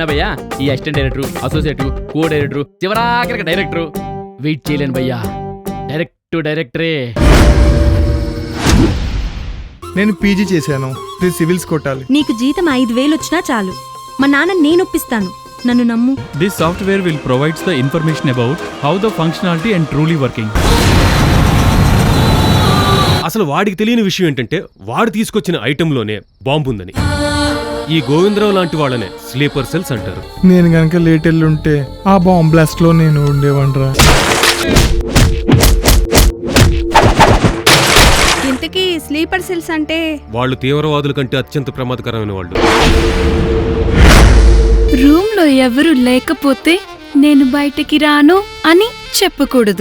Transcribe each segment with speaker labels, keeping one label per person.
Speaker 1: భయ్యా ఈ assistant director, associate, co director, చివరాఖరికి డైరెక్టర్ వెయిట్ చేయలేను భయ్యా. డైరెక్టరే.
Speaker 2: నేను పీజీ చేశాను, సివిల్స్ కొట్టాలి.
Speaker 3: నీకు జీతం 5,000 వచ్చినా చాలు. మా నాన్న నేను ఒప్పిస్తాను, నన్ను నమ్ము.
Speaker 4: This software will provide the information about how the functionality and truly working.
Speaker 5: అసలు వాడికి తెలియని విషయం ఏంటంటే వాడు తీసుకొచ్చిన ఐటెంలోనే బాంబు ఉందని. ఈ గోవిందరావు లాంటి వాళ్ళనే స్లీపర్ సెల్స్ అంటారు.
Speaker 2: నేను గనక లేట్ వెళ్ళుంటే ఆ బాంబ్ బ్లాస్ట్ లో నేను ఉండేవాడ్రా.
Speaker 6: ఇంతకీ స్లీపర్ సెల్స్ అంటే?
Speaker 5: వాళ్ళు తీవ్రవాదుల కంటే అత్యంత ప్రమాదకరమైన వాళ్ళు.
Speaker 6: రూమ్ లో ఎవరు లేకపోతే నేను బయటికి రాను అని చెప్పకూడదు.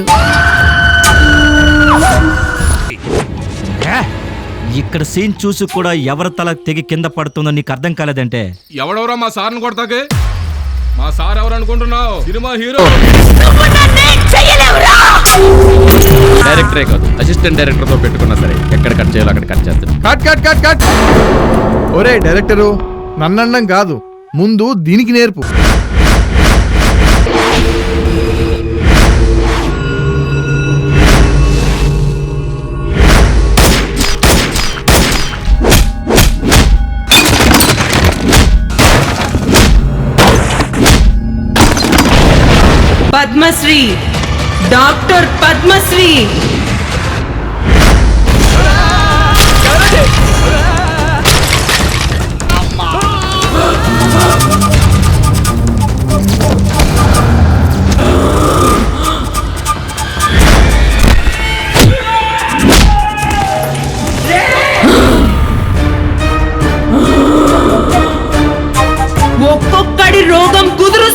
Speaker 7: ఇక్కడ సీన్ చూసి కూడా ఎవరి తల తెగి కింద పడుతుందో నీకు అర్థం కాలేదంటే?
Speaker 8: ఎవడెవరో మా సార్ని కొడతాకే? మా సార్ ఎవరు అనుకుంటున్నావు? Cinema hero.
Speaker 1: డైరెక్టరే కాదు, అసిస్టెంట్ డైరెక్టర్ తో పెట్టుకున్నా సరే ఎక్కడ కట్ చేయాలో అక్కడ కట్ చేస్తాను.
Speaker 2: కట్. ఒరే డైరెక్టరు, నన్నండం కాదు, ముందు దీనికి నేర్పు.
Speaker 9: పద్మశ్రీ, డాక్టర్ పద్మశ్రీ. ఒక్కొక్కడి రోగం కుదురు.